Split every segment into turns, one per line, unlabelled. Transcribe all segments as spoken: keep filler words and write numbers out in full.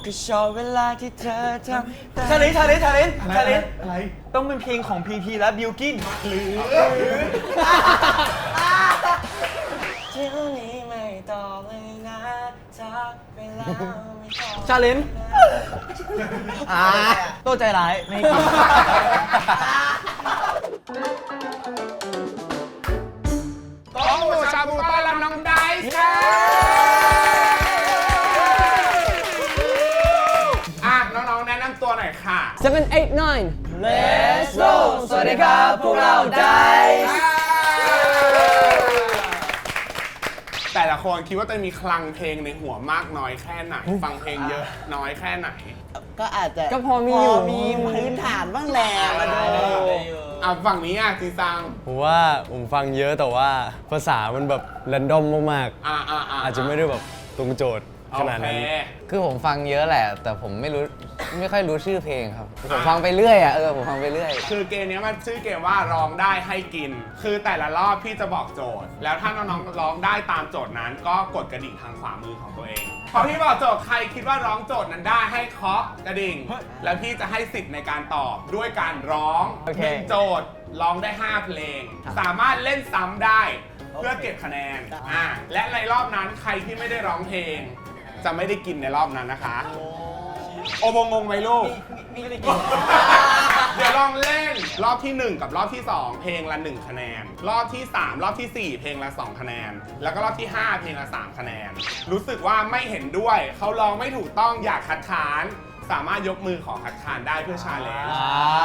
ก็ชอบเวลาที่เธอทำชาเลนจ์ชาเลนจ์ชาเลนจ์ชาเลนจ์อะไรต้องเป็นเพลงของพีพีและบิวกินหรือเที่ยวนี้ไม่ต่อเลยนะทักเวลาไม่ต่อชาเลนจ์อ่าโตใจร้ายไม่กิน
ต้องหมูชาบูต้อนรับน้องไดซ์ค่ะอ่ะน้องๆแนะนำตัวหน่อยค่ะ
เจ็ด แปด เก้า
Let's go สวัสดีครับพวกเรา Dice
แต่ละคนคิดว่าตัวเองมีคลังเพลงในหัวมากน้อยแค่ไหน ฟังเพลงเยอะน้อยแค่ไหน
ก็อาจจะ
ก็พอมีอยู่
มีพื้นฐานบ้างแหละมาดู
อ่ะฝั่งนี้อ่ะจีซัง
ผมว่าผมฟังเยอะแต่ว่าภาษามันแบบแรนดอมมาก
อ่าอ่า
ๆ อาจจะไม่ได้แบบตรงโจทย์ขนาดนั้น
คือผมฟังเยอะแหละ แต่ผมไม่รู้ไม่ค่อยรู้ชื่อเพลงครับ ผมฟังไปเรื่อยอ่ะเออผมฟังไปเรื่อย
คือเกมนี้มันชื่อเกมว่าร้องได้ให้กิน คือแต่ละรอบพี่จะบอกโจทย์ แล้วถ้าน้องๆร้องได้ตามโจทย์นั้นก็กดกระดิ่งทางขวามือของตัวเอง พอพี่บอกโจทย์ใครคิดว่าร้องโจทย์นั้นได้ให้เคาะกระดิ่ง แล้วพี่จะให้สิทธิ์ในการตอบด้วยการร้อง
โอเค
หนึ่งโจทย์ร้องได้ห้าเพลง สามารถเล่นซ้ำได้เพื่อเก็บคะแนนอ่าและในรอบนั้นใครที่ไม่ได้ร้องเพลง จะไม่ได้กินในรอบนั้นนะคะ โอโบงงไหมลูก เดี๋ยวลองเล่นรอบที่หนึ่งกับรอบที่สองเพลงละหนึ่งคะแนน รอบที่สามรอบที่สี่เพลงละสองคะแนน แล้วก็รอบที่ห้าเพลงละสามคะแนน รู้สึกว่าไม่เห็นด้วยเขาร้องไม่ถูกต้องอยากคัดค้านสามารถยกมือขอคัดค้านได้เพื่อชาเลนจ์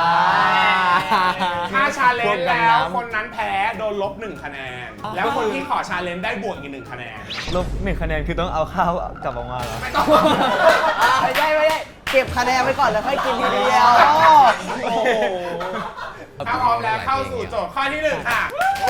ถ้าชาเลนจ์แล้วคนนั้นแพ้โดนลบหนึ่งคะแนน แล้วคนที่ขอชาเลนจ์ได้บวกอีกหนึ่งคะแนน
ลบหนึ่งคะแนนคือต้องเอาข้าวกลับออกมาเหรอ
ไม่ต้อง
ไม่ได้ไม่ได้เก็บคะแนนไว้ก่อนแล้วค่อยกินทีเดียวโอ้โห
ถ้าพร้อมแล้วเข้าสู่โจทย์ข้อที่หนึ่งค่ะ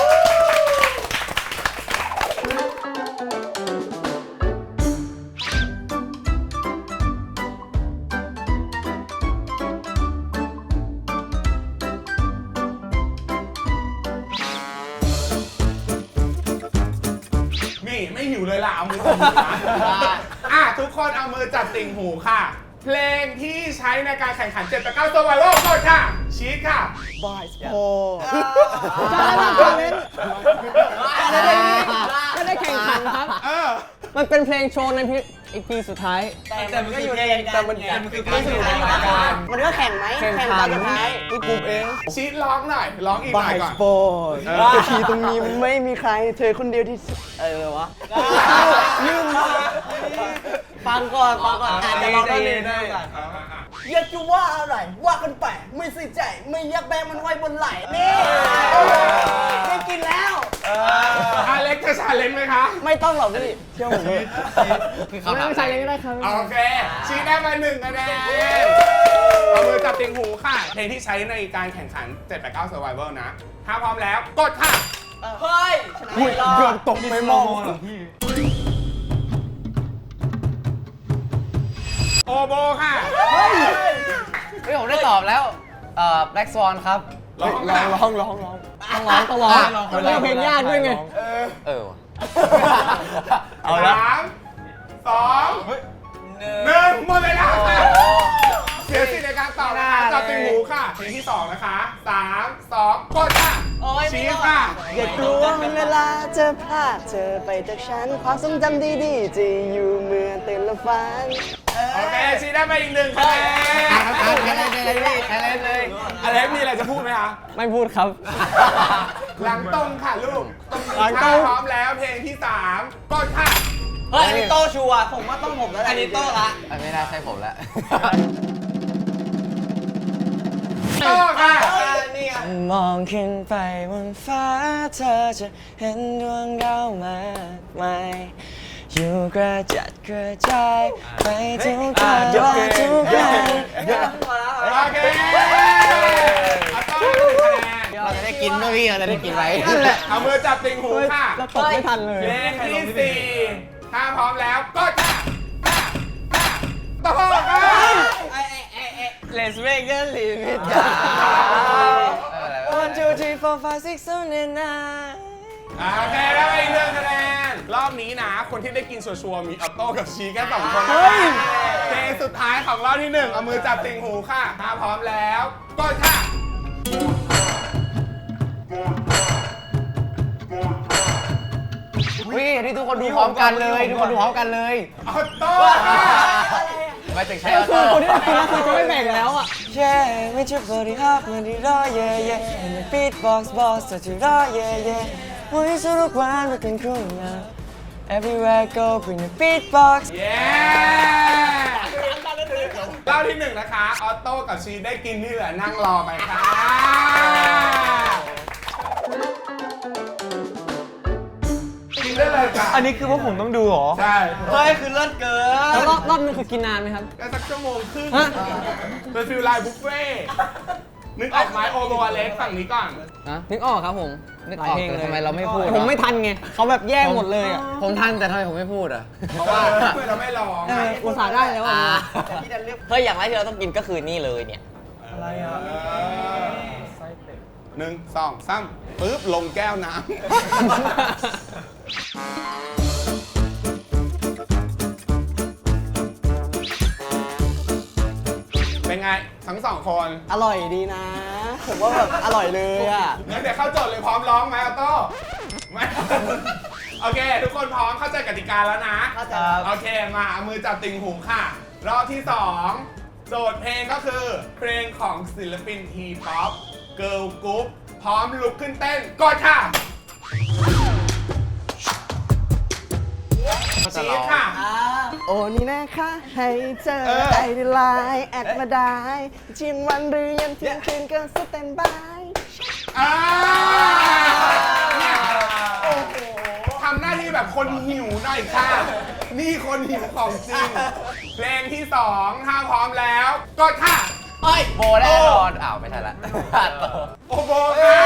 นี่ไม่หิวเลยล่ะ เอามือจับหูนะอ่ะทุกคนเอามือจับติ่งหูค่ะ เพลงที่ใช้ในการแข่งขันเจ็ดแปดเก้า Survival กดค่ะ ชีทค่ะ
บอยส์โอ้
ไม่ได้แข่งขันครับ
เออ
มันเป็นเพลงโชว์ในอีพีสุดท้าย
แต่มันก็อยู่ในแต่มันมันคือการ
มันก็แข่งไหมแข่งตอนสุดท้าย
นี่กลุ่มเอง
ชีทร้องหน่อย ร้องอีกห
บ
น่
อ
อย
ย
ก่อน
ส์โบยทีตรงนี้ไม่มีใครเธอคนเดียวที่เออวะลืมฟังก่อนฟังก่อนอ่านเดี๋ยวเราได้เลยได้อยากจะว่าอะไรว่ากันไปไม่ใส่ใจไม่อยากแบงมันไว้บนไหล่นี่ได้กินแล้ว
อเล็กจะชาเลนจ์ไหมคะ
ไม่ต้องหรอกพี่เชื่อผม
คือเขาถาม
ไม่ใช่เลยก็ได้ครับ
โอเค ชี้ได้มาหนึ่งคะแนนเอามือจับติ่งหูค่ะ เพลงที่ใช้ในการแข่งขันเจ็ดแปดเก้า Survival นะ ถ้าพร้อมแล้ว กดค่ะ
เฮ้ยชนะไม่รอด
เกือบตกไม่มองเหรอพี่
โอโบค่ะ
เฮ้ยผมได้ตอบแล้วเอ่อ Black Swan ครับ
ร้อง
ร้อง
ค่ะ
ร้องร้องร้อง
ต้องร้องต้องร้องมันเลือกเพลงยากด้วยไง
เออว่ะ
เอาละ
สามสองหนึ่งหมดเวลาค่ะเสียสิทธิ์ในการตอบนะคะจับติ่งหูค่ะ เพลงที่สองนะคะสามสองกดค่ะชี้ค่ะ
อย่ากลัวเวลาจะพลาดเธอไปจากฉันความทรงจำดีๆจะอยู่เมื่อตื่นละฝัน
โอเคชี้ได้ไปอีกหนึ่งคะแนน
อะไรเลยอะไรเลย
อเล็กมีอะไรจะพูดไหมคะ
ไม่พูดครับ
หลังตรงค่ะลูก
หลังตรง
ถ้าพร้อมแล้วเพลงที่สามกดค่ะ
เฮ้ยอันนี้โตชัวร์ผมว่าต้องผมแล้วอันนี้โตละ
อันไม่น่าใช่ผมแล้ว
โต้ค่ะ
มองขึ้นไปบนฟ้าเธอจะเห็นดวงดาวมากมายอยู่กระจัดกระจายไปทุกทางทุกแห่ง
โอเคเอาโต้หนึ่งคะแนน
เราจะได้กินด้วยพี่เราจะได้กินไหม
นั่นแหละเอามือจับติ่งหูค่ะ
แล้วตกไม่ทันเลย
เพลงที่สี่ถ้าพร้อมแล้วกดค่ะโต้ค่ะ
Let's make a limit
เอออะไรวะ
one two three four five six seven eight nine
โอเคได้ไปอีกหนึ่งคะแนนรอบนี้นะ คนที่ได้กินชัวร์ๆมีออโต้กับชีแค่สองคนนะเพลงสุดท้ายอบที่หนึ่งเอามือจับติ่งหูค่ะถ้าพร้อมแล้วกดค่ะ
วิที่ทุกคนดูพร้อมกันเลย ทุกคนดูพร้อมกันเลย
ออโต้ค่ะ
ไม่ถึงใช้
ก็
ออ
คือ
โต้
คนที่ได้กินแล้วคือจะไม่แบ่งแล้วอ่ะ
Yeah ไม่ใช่ body hop มันที่รอ yeah yeah ให้มัน beatbox boss แต่ที่รอ yeah yeah วันนี้สนุกวันมากันคู่นะ Everywhere I go bring the beatbox
เย้รอบที่หนึ่งนะคะ ออโต้กับชีได้กินที่เหลือนั่งรอไปค่ะกินได้เลยค่ะ
อันนี้คือว่าผมต้องดูเหรอ
ใช่
เฮ้ยคือเลิศเกิน
แล้วรอบรอบนึงคือกินนานไหมครับ
ก็สักชั่วโมงครึ่ง
ฮะ
เป็นฟิลไลน์บุฟเฟ่ต์นึกออกไหมโอโบอเล็กฝั่งนี้ก่อน
นะนึกออกครับผม
นึกออกแต่ทำไมเราไม่พูด
แต่ผมไม่ทันไงเขาแบบแย่งหมดเลยอ่ะ
ผมทันแต่ทำไมผมไม่พูดอ่ะ
เพราะว่าเพื่อนเราไม่ลอง
เอออุตส่าห์ได้แล้วอ่ะ
เฮ้ยอย่างแรกที่เราต้องกินก็คือนี่เลยเนี่ย
อะไรอ่ะหนึ่งสองสามปึ๊บลงแก้วน้ำ เป็นไง ทั้งสองคน
อร่อยดีนะ ผมว่าแบบอร่อยเลยอ่ะ
งั้นเดี๋ยวเข้าโจทย์เลยพร้อมร้องไหมออโต้ไม่ โอเค ทุกคนพร้อมเข้าใจกติกาแล้วนะ
เข้าใจครับ
โอเค มาเอามือจับติ่งหูค่ะ รอบที่สองโจทย์เพลงก็คือ เพลงของศิลปินทีป๊อปเกิร์ลกรุ๊ปพร้อมลุกขึ้นเต้นกดค่ะชีสค่ะ
โอ้นี่นะคะให้เจอ
เออ
ไอดีไลน์แอดมาได้จิมวันหรือยันเที่ยงคืนก็สแตนบาย
อ่าเนี่ยโอ้โหทำหน้าที่แบบคนหิวหน่อยค่ะ นี่คนหิวของจริง เพลงที่สองถ้าพร้อมแล้วกดค่ะ
โบแน่นอนอ้าวไม่ทันละ
โอโบค่ะ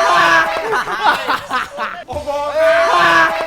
โอโบค่ะ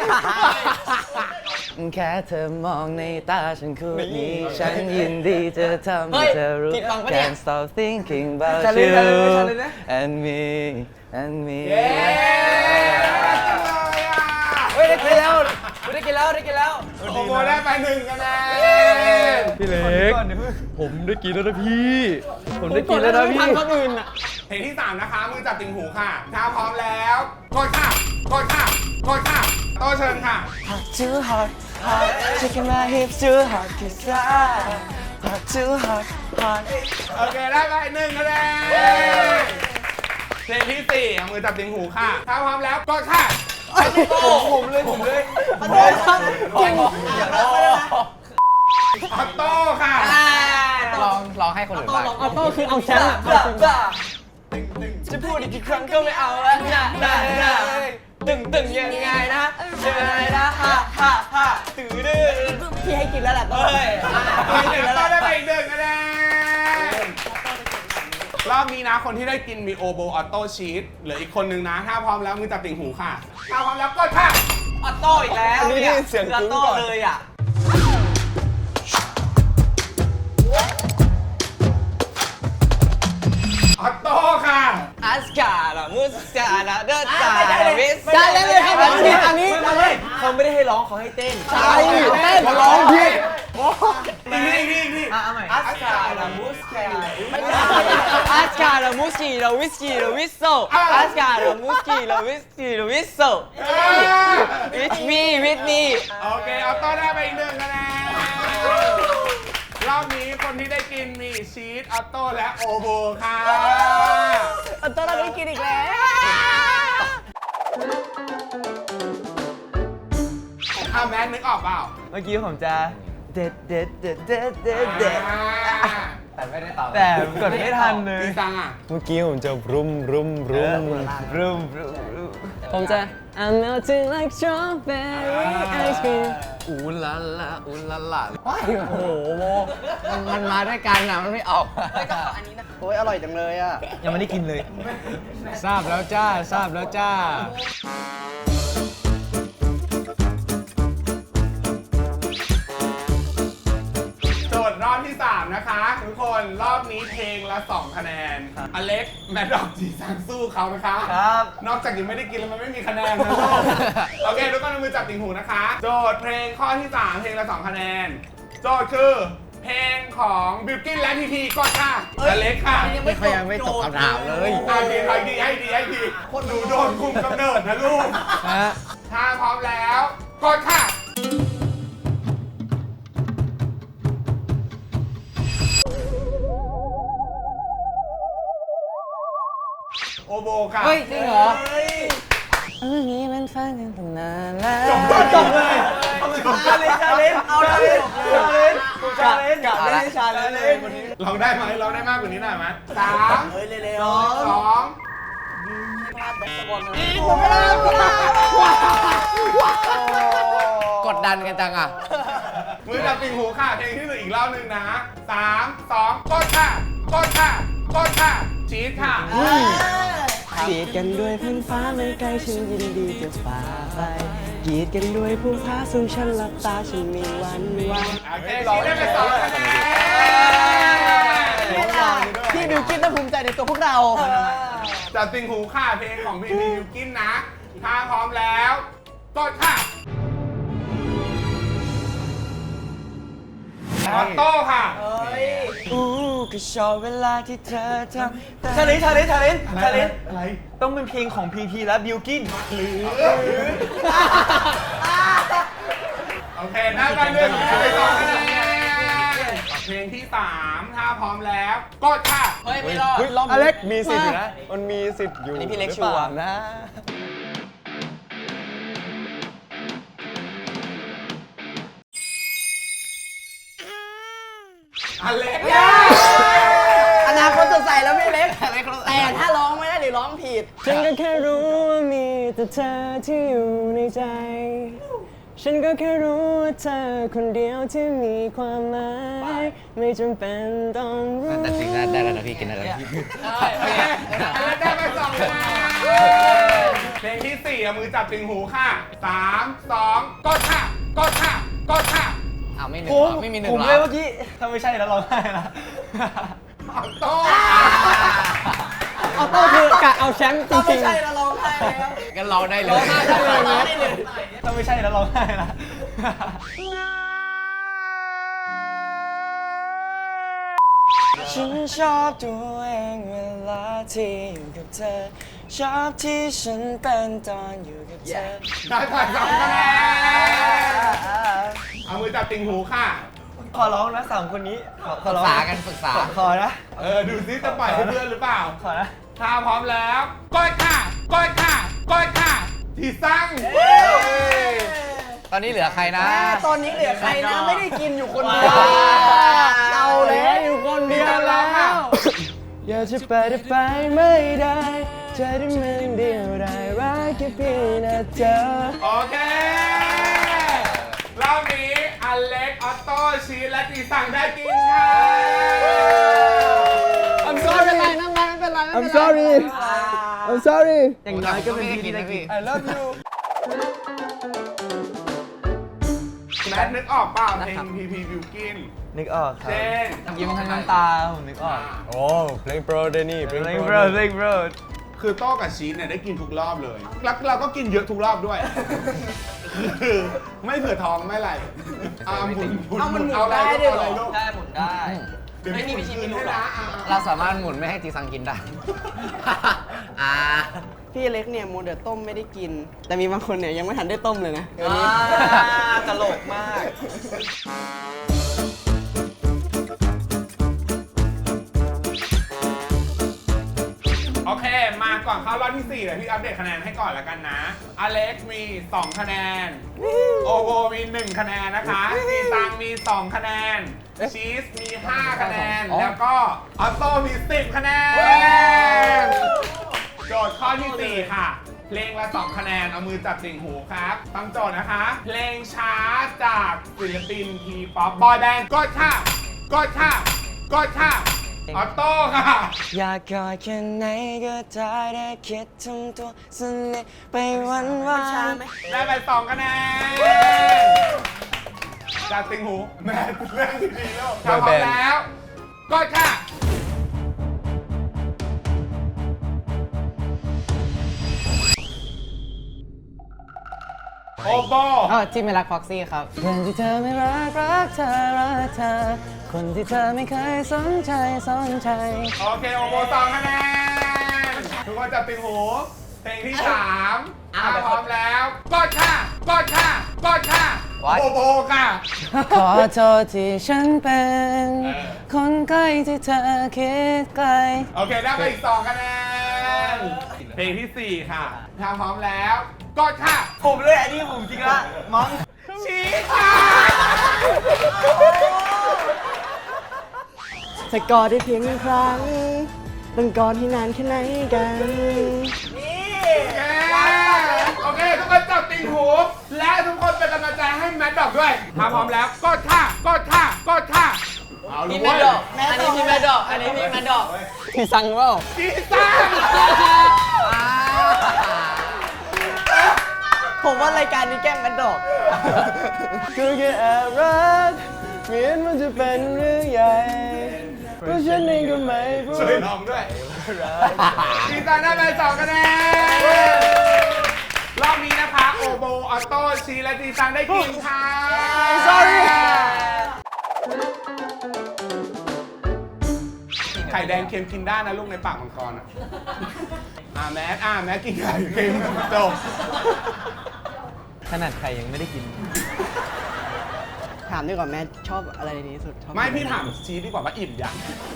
แค่เธอมองในตาฉันคู่นี้ ฉันยินดีจะทำให้เธอรู้ Can't stop thinking about you and me and me
เย้จังเลยอ่ะ
เฮ้ยได้กินแล้วได้กินแล้วได้กินแล้ว
โอโบได้ไปหนึ่งคะแนน
พี่เล็ก ผมได้กินแล้วนะพี่ ผม
ผม
ได้
ก
กิ
ด
Dạ,
น
แล้
แล้ว ว
นะ
นะ
ไม่ทั
พี่
นคนอื่นอ่ะ
เพลงที่สามนะคะ มือจับติ่งหูค่ะ ถ้าพร้อมแล้วกดค่ะกดค่ะกดค่ะโตเชิญค่ะ
Hot too hot hot Taking my hips too hot Cause I Hot too hot hot
โอเค ได้ไปหนึ่งคะแนนเพลงที่สี่เอามือจับติ่งหูค่ะ ถ้าพร้อมแล้วกดค่ะผมเลยผมเลย
ขอโทษครับจริง
ออโต้ค่ะ
ลองลองให้คนอื่นบ้าง
ออโต้คือเอาแชมป์อะเอาจริง
จะพูดอีกกี่ครั้งก็ไม่เอาแล้วนะนะนะตึงตึงยังไงนะเจออะไรนะฮ่าฮ่าฮ่าตื่นดื้อ
พี่ให้กินแล้วแหละต้
เฮ้ย
เดี๋ยวก็ได้ไปอีกหนึ่งคะแนนรอบนี้นะคนที่ได้กินมีโอโบออโต้ชีสเหลืออีกคนนึงนะ ถ้าพร้อมแล้วมือจับติ่งหูค่ะ ถ้าพร้อมแล้วกดค่ะ
ออโต้อีกแล้ว
อันนี้
เนี่ย
เสียง
ออ
กึ้ง
โต้
ก่อน
เลยอ่ะ
ออโต้ค่ะ
อัสการ์มุสการ์เดอร์ตาวิส
ได้เลยเลยครับอันนี้อันนี้
เขาไม่ได้ให้ร้องเขาให้เต้น
ใช่เต้นร้องผิด
อีกทีอีกทีอีกที
อัสการ์มุสการ์อัสการ์มุสกีโรวิสกีโรวิสโซอัสการ์มุสกีโรวิสกีโรวิสโซ with me with me
โอเคออโต้ได้ไปอีกหนึ่งคะแนนรอบนี้คนที่ได้กินมีชีสออโต้และโอโบค่ะ
อันตรายได้กินอีกแล้ว
อ้าวแม็กนึกออกเปล่า
เมื่อกี้ผมจะเด็ดเด็ดเด็ดเด็ดเด็ดเด็ด
แต่ไม่ได้ตอบ
แต่กดไม่ทันเลย
จริงจังอ่ะ
เมื่อกี้ผมจะรุมรุมรุม
รุมรุมรุม
ผมจะ I'm melting like strawberry ice cream
อูลาลาอูลาลาว้ายโอ้โหมันมันมาด้วยกันอ่ะ มันไม่ออก
โอ้ยอร่อยจังเลยอ่ะ
ยังไม่ได้กินเลย
ทราบแล้วจ้า ทราบแล้วจ้า
โจทย์รอบที่สามนะคะทุกคนรอบนี้เพลงละสองคะแนนอเล็กแมดดอกจีซังสู้เขานะคะ
ครับ
นอกจากยังไม่ได้กินแล้วมันไม่มีคะแนนนะ โอเคทุกคนเอามือจับติ่งหูนะคะ โจทย์เพลงข้อที่สามเพลงละสองคะแนน โจทย์คือเพลงของบิวกิ้นและพีพีก่อนค่ะอเล็กค่ะ
เขายังไม่ตกคำถามเลย
อ่ะดีให้ดีให้ดีให้ดีคนหนูโดนคุมกำเนิดนะลูก
ฮะ
ถ้าพร้อมแล้วกดค่ะ โอโบค่ะ
เฮ้ยจริงเหรอ
เออนี้มันฟังกันตั้งนานแล้ว
จบเลยชาเลนชาเลนเอาชาเลนชาเลนชาเลนกับไม่ได้ชาเลนเลยวันนี้
ลองได้ไหมลองได้มากกว่านี้หน่อยไหมสาม
เฮ้ยเร็ว
สอง
กดดันกันจังอ่ะ
มือจับติ่งหูค่ะ เพลงที่หนึ่งอีกรอบหนึ่งนะสามสองกดค่ะกดค่ะกดค่ะชีสค่ะ
กีดกันด้วยพื้นฟ้าไม่ไกลฉันยินดีจะฝ่าไปกีดกันด้วยภูผาสูงฉันหลับตาฉันมีวันไหว
โอเคชีสได้ไปสองคะแนน
พี่บิวกิ้นต้องภูมิใจในตัวพวกเรา
จับติ่งหูค่ะ เพลงของพี่บิวกินนะ ถ้าพร้อมแล้วกดค่ะออโต้ค่ะ
อู้ก็ชอบเวลาที่เธอทำ
ชาเลนชาเลนชาเลนชาเลน
อะไร
ต้องเป็นเพลงของพีพีและบิวกิ้น
โอเค ได้ไปเรื่องได้ไปสองคะแนนเพลงที่สามถ้าพร้อมแล้วกดค่ะ
เฮ้ยไม่รอด
เฮ้ยอเล็กมีสิทธิ์อยู่นะ มันมีสิทธิ์อยู่
อันนี้พี่เล็ก
หรือปา
ชัวร์
นะ
อเล็ก
อนาคตสดใสแล้วพี่เล็ก แต่ถ้าร้องไม่ได้หรือร้องผิด
ฉันก็แค่รู้ว่ามีแต่เธอที่อยู่ในใจ ฉันก็แค่รู้ว่าเธอคนเดียวที่มีความหมาย ไม่จำเป็นต้องรู้
แต่สิ่งได้ได้แล้วนะพี่กินได้แล้วพี่
โอเคอเล็กได้ไปสองคะแนนเพลงที่สี่เอามือจับติ่งหูค่ะสามสองกดค่ะกดค่ะกดค่ะ
อ้าวไม่หนึ่งเหรอไม่มีหนึ่ง
ผม
เหรอ
เลยเมื่อกี้ ถ้าไม่ใช่แล้วร้องไห้ละ
ออโต้
เอาโต้คือกะเอาแชมป์จ
ถ้าไม่
ริง
ใช่แล้วร้องไห้แล้ว
กันเราได้เลย
ถ้าไม่ใช่แล้วร้องไห้ละ
ฉันชอบตัวเองเวลาที่อยู่กับเธอ ชอบที่ฉันเป็นตอนอยู่กับเธอ
ได้ไปสองคะแนนเอามือจับติ่งหูค่ะ
ขอร้องนะสามคนนี้ ขอข
ป
อ
รึก
ร้อง
ษากันปรึกษา
ขอนะ
เออ ดูซิจะปล่อยให้เพื่อนหรือเปล่า
ขอนะ
ถ้าพร้อมแล้วกดค่ะกดค่ะกดค่ะ ที่สั่ง
ตอนนี้เหลือใครนะ
ตอนนี้เหลือใครนะ ไม่ได้กินอยู่คนเดียวเอาแล้วอยู่คนเดียวแล้ว
อยากจะไปแต่ไปไม่ได้ใจที่มันเดียวได้รักแค่เพียงแต่เธอ
โอเค รอบนี้อเล็ก ออโต้ ชีสและตีสั่งได้กินค่ะ
I'm sorry I'm sorry I'm sorry
อย่างน้อยก็เป็นพี่นะพี่
I love you
แมทนึกออกเปล่าเพลงพีพีบิวกิน
นึกออกครั
เจ
บ
น
ยิ้มทั้งน้ำตา ผมนึกออก
โอ้เพลงโปรเดนี่เพลง
เล่
โป
ง
ร
โบรเล่งโบร
คือโต้กับชีสเนี่ยได้กินทุกรอบเลย แล้วเราก็กินเยอะทุกรอบด้วย คือไม่เผื่อท้องไม่อะไรอ่าหมุนหมุน
เอามันหมุน
เอาอะไร
ได้
ลูก
ด้วย
เอา
เหรอ
อะไรลูก
ได้หมุนได้
เดี๋ยว
ไม่มี
ห
วิธี
คืน
หมุน
ให้
หรอ
นะอ่า
เราสามารถหมุนไม่ให้จีซังกินได้ อ่า
พี่เล็กเนี่ยโมเดลต้มไม่ได้กิน แต่มีบางคนเนี่ยยังไม่ทันได้ต้มเลยนะวันนี้
ตลกมาก
โอเค มาก่อนเข้ารอบที่สี่เดี๋ยวพี่อัปเดตคะแนนให้ก่อนแล้วกันนะ อเล็กมี สอง คะแนน โอโบมี หนึ่ง คะแนนนะคะจีซังมี สอง คะแนน ชีสมี ห้า คะแนน แล้วก็ออโต้มี สิบ คะแนน โจทย์ข้อที่สี่ค่ะ เพลงละ สอง คะแนน เอามือจับติ่งหูครับฟังโจทย์นะคะ เพลงช้าจากศิลปินทีป๊อปบอยแบนด์กดค่ะกดค่ะกดค่ะออโต้ค่ะ
อยากกอดแค่ไหนก็ได้ได้คิดทำตัวสนิทไปวันวัน
ได้ไปสองคะแนนจับติงหู แม่เรื่องดีๆแล้วถ้าพร้อมแล้วกดค่ะโอโบ
อ๋อที่ไม่รักฟ็อกซี่ครับเพื่อนที่เธอไม่รักรักเธอรักเธอคนที่เธอไม่เคยสนใจสนใจ
โอเคโอโบสองคะแนนทุกคนจับติงหูเพลงที่สามถ้าพร้อมแล้วกดค่ะกดค่ะกดค่ะโอโบค่ะ
ขอโทษที่ฉันเป็น คนใกล้ที่เธอคิดไกล
โอเคได้ไปอีกสองคะแนนเพลงที่สี่ค่ะถ้าพร้อมแล้วกดค่ะ
ผมเลยอันนี้ผมจริงละมั้ง
ชี้ค่ะ
จะกอดได้เพียงหนึ่งครั้งต้องกอดให้นานแค่ไหนกัน
โอเคทุกคนจับติงหูและทุกคนเป็นกำลังใจให้แมทดอกด้วยถ้าพร้อมแล้วกดค่ะกดค่ะกดค่ะเอาลูกเว้ย
อันนี้พี่แมดดอกอันนี้พี่แมดดอก
ที่สั่งว่า
จีซัง
ผมว่ารายการนี้แกล้งแมดดอก
ก็แค่แอบรักเหมือนมันจะเป็นเรื่องใหญ่เพราะฉันเองก็ไม่รู้
ช่วยลองด้วยจีซังได้ไปสองคะแนนรอบนี้นะคะโอโบออโต้ชีและจีซังได้กินค่ะ
sorry
ไข่แดงเค็มกินได้นะลูกในปากมังกรอ่ะอ่าแมทอ่าแมทกินไข่เค็มจบ
ขนาดใครยังไม่ได้กิน
ถามดีกว่าแม่ชอบอะไรในนี้สุดชอบ
ไม่พี่ถามชีดีกว่าว่าอิ่มยัง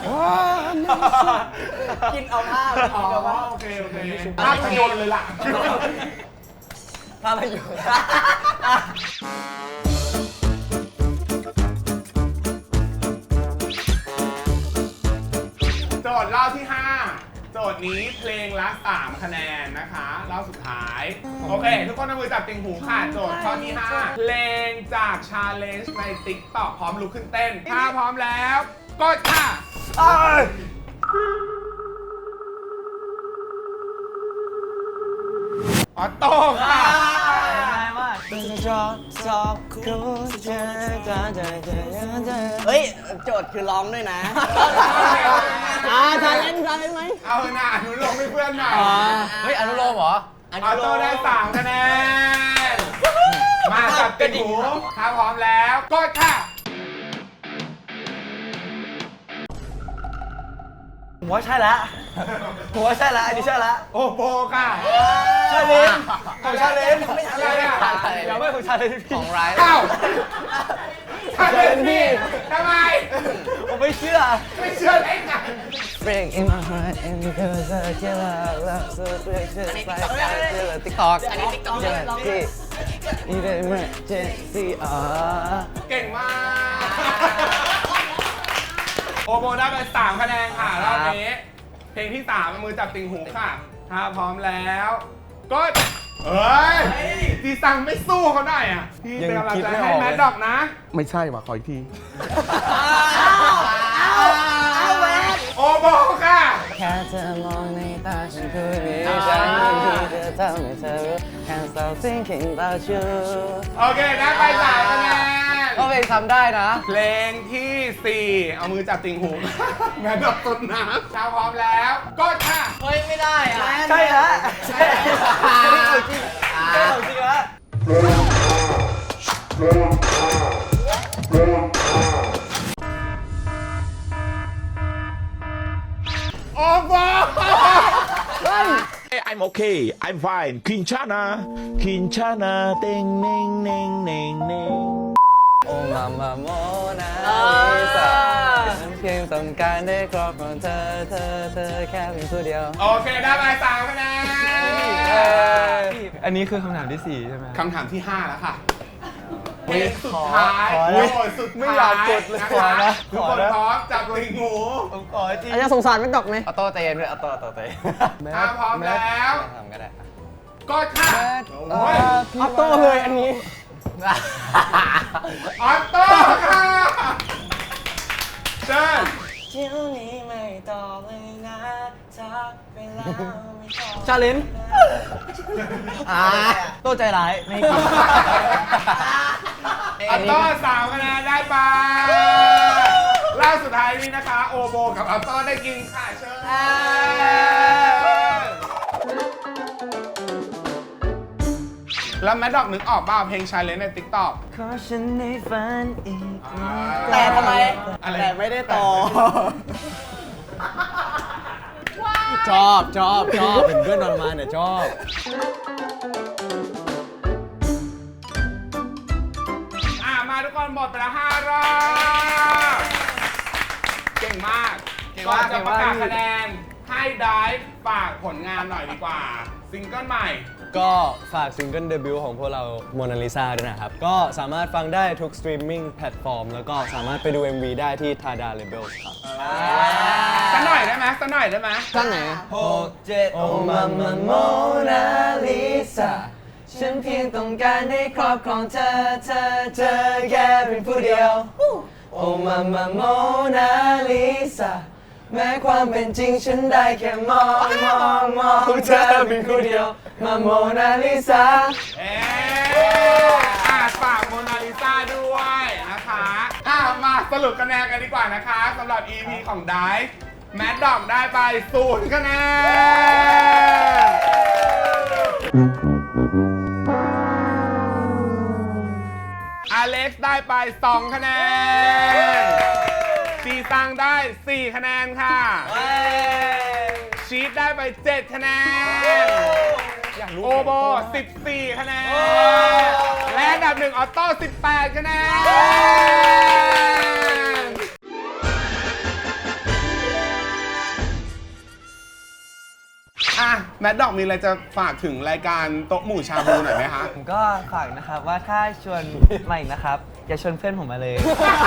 กินเอาผ้า
อ๋อโอเคโอเคภาพยนตร์เลยล่ะ
ผ้าไปอยู่
โจทย์รอบที่ห้าโจทย์นี้เพลงละสามคะแนนนะคะรอบสุดท้าย โอเค ทุกคนเอามือจับติ่งหูค่ะ โจทย์ข้อที่ห้าเพลงจากชาเลนจ์ใน TikTok พร้อมลุกขึ้นเต้น ถ้าพร้อมแล้วกดค่ะออโต้ค่ะ
ชอบชอบคุณเธอเธอเธอเธอเธอ
เฮ้ย โจทย์คือร้องด้วยนะ
อ่าทานเล่นทานเล่นไหม
เอาหน้าอนุโลมให้เพื่อนหน่อย
เฮ้ย อนุโลมเหรอ
ออโต้ได้สามคะแนน มาจับติ่งหู ถ้าพร้อมแล้วกดค่ะ
ผมว่าใช่แล้วผมว่าใช่แล้วอันนี้ใช่แล้ว
โอโบค่ะ
ชาเลนจ์ของชาเลนจ์
อะไรอ่ะ
เราไม่ของชาเลนจ์พี่
ของไร
เอ้าถ้าเป็นพี่ทำไม
ผมไม่เชื่อ
ไม่เชื่อได้ไง
Break in my heart and because I kill love love so precious like I feel a TikTok อันนี้ TikTok ที่ even emergency อ๋อ
เก่งมาก โอโบได้ไปสามคะแนนค่ะรอบนี้ เพลงที่สามมือจับติ่งหูค่ะ ถ้าพร้อมแล้วกดเอ้ยทีซังไม่สู้เขาได้อ่ะ พี่เป็นกำลังใจให้แมดดอกนะ ไม่ใช่ว่ะขออีกที โอโบค่ะ
แค่เธอมองในตาฉันคือนี้ฉันยินดีจะทำให้เธอรู้ Can't stop thinking about you
โอเคได้ไปสามคะแนน
ก็เพลงทำได้นะ
เพลงที่สี่เอามือจับติ่งหู แมดดอกต้นน้ำถ้าพร้อมแล้วกดค่ะ
เฮ้ย ไม่ได้อะ
ใช่ฮะ
ใช่ของจริงใช่ของจริงฮะ
โอโบ
I'm okay. I'm fine. Quinchana. Quinchana. Ding, ding, ding, ding, ding.
โอ้มามาโมนาลิซาฉันเพียงต้องการได้ครอบครองเธอ เธอ เธอแค่เพียงผู้เดียว
โอเคได้ไปสามคะแนน
อันนี้คือคำถามที่สี่ใช่ไหม
คำถามที่ห้าแล้วค่ะเพลงสุดท้าย
ขอนะ
โจทย์สุดท้าย
ไม่อยากกดเลย
นะ
ขอ
คะ
นะ
ทุกคนพร้อมจับติ่งหู
อันนี้สงสารแม่ดอกไหม
เอาโต้ใจเย็นด้วยเอาโต้เอาโต้ใจเย็น
ถ้าพร้อมแล้ว
ทำก็ได้
กดค่ะโอ้ย
ออโต้เลยอันนี้
ออโต้ค่ะเชิญ
เที่ยวนี้ไม่ต่อเลยนะทักไปแล้วไม่ตอบ
ชาเลนจ์อ่าโตใจร้าย ไม่กิน
ออโต้สามคะแนนได้ไปรอบสุดท้ายนี้นะคะ โอโบกับออโต้ได้กินค่ะเชิญแล้วแมดดอกนึกออกเปล่าเพลงชายเลนใน ติ๊กต็อก
ขอฉันในฝันอีก
แต่ทำไม
อะไร
แต่ไม่ได้ต่อ
ชอบชอบชอบเป็นเพื่อนนอนมาเนี่ยชอบ
อ่ะมาทุกคนหมดไปแล้วห้ารอบเก่งมากก่อนจะประกาศคะแนนให้ได้ฝากผลงานหน่อยดีกว่า ซิงเกิลใหม่
ก็ฝากซิงเกิลเดบิวต์ของพวกเราโมนาลิซาด้วยนะครับ ก็สามารถฟังได้ทุกสตรีมมิ่งแพลตฟอร์มแล้วก็สามารถไปดู เอ็ม วี ได้ที่ Tada Labels ครับ
สักหน่อยได้ไหมสักหน่อยได้ไหม
ท่านไหน
หกเจ็ดโอมามาโมนาลิซาฉันเพียงต้องการได้ครอบครองเธอเธอเธอแค่เป็นผู้เดียวโอมามาโมนาลิซาแม้ความเป็นจริงฉันได้แค่มองมองมองเธอเป็นผู้เดียวมาโมนาลิซา
เอ๊อ่ะฝากโมนาลิซาด้วยนะคะอ่ะมาสรุปคะแนนกันดีกว่านะคะสำหรับ อี พี ของไดฟ์แมดดอกได้ไปศูนย์คะแนนอเล็กซ์ได้ไปสองคะแนนซีซังได้สี่คะแนนค่ะชีทได้ไปเจ็ดคะแนนโอโบสิบสี่คะแนนและอันดับหนึ่งออโต้สิบแปดคะแนนอ่ะแมดดอกมีอะไรจะฝากถึงรายการโต๊ะหมู่ชาบูหน่อยไหมคะ
ผมก็ฝากนะครับว่าถ้าชวนมาอีกนะครับ อย่าชวนเพื่อนผมมาเลย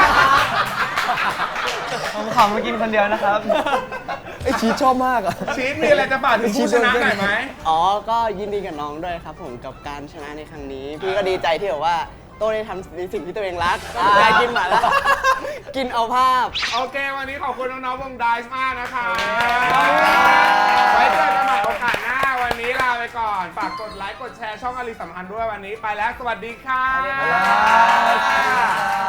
ผมขอมากินคนเดียวนะครับ
ไอชีชอบมากอ่ะ
ชีทมีอะไรจะฝากถึงผู้ชนะหน่อยไหม
อ๋อ ก็ยินดีกับน้องด้วยครับผมกับการชนะในครั้งนี้ พี่ก็ดีใจที่แบบว่าโต้ได้ทำในสิ่งที่ตัวเองรักได้กินหมาล่ากินเอาภาพ
โอเค วันนี้ขอบคุณน้องๆวงไดซ์มากนะคะไว้เจอกันใหม่โอกาสหน้า วันนี้ลาไปก่อน ฝากกดไลค์ กดแชร์ช่องอลิสัมพันธ์ด้วยวันนี้ไปแล้ว สวัสดีค่ะ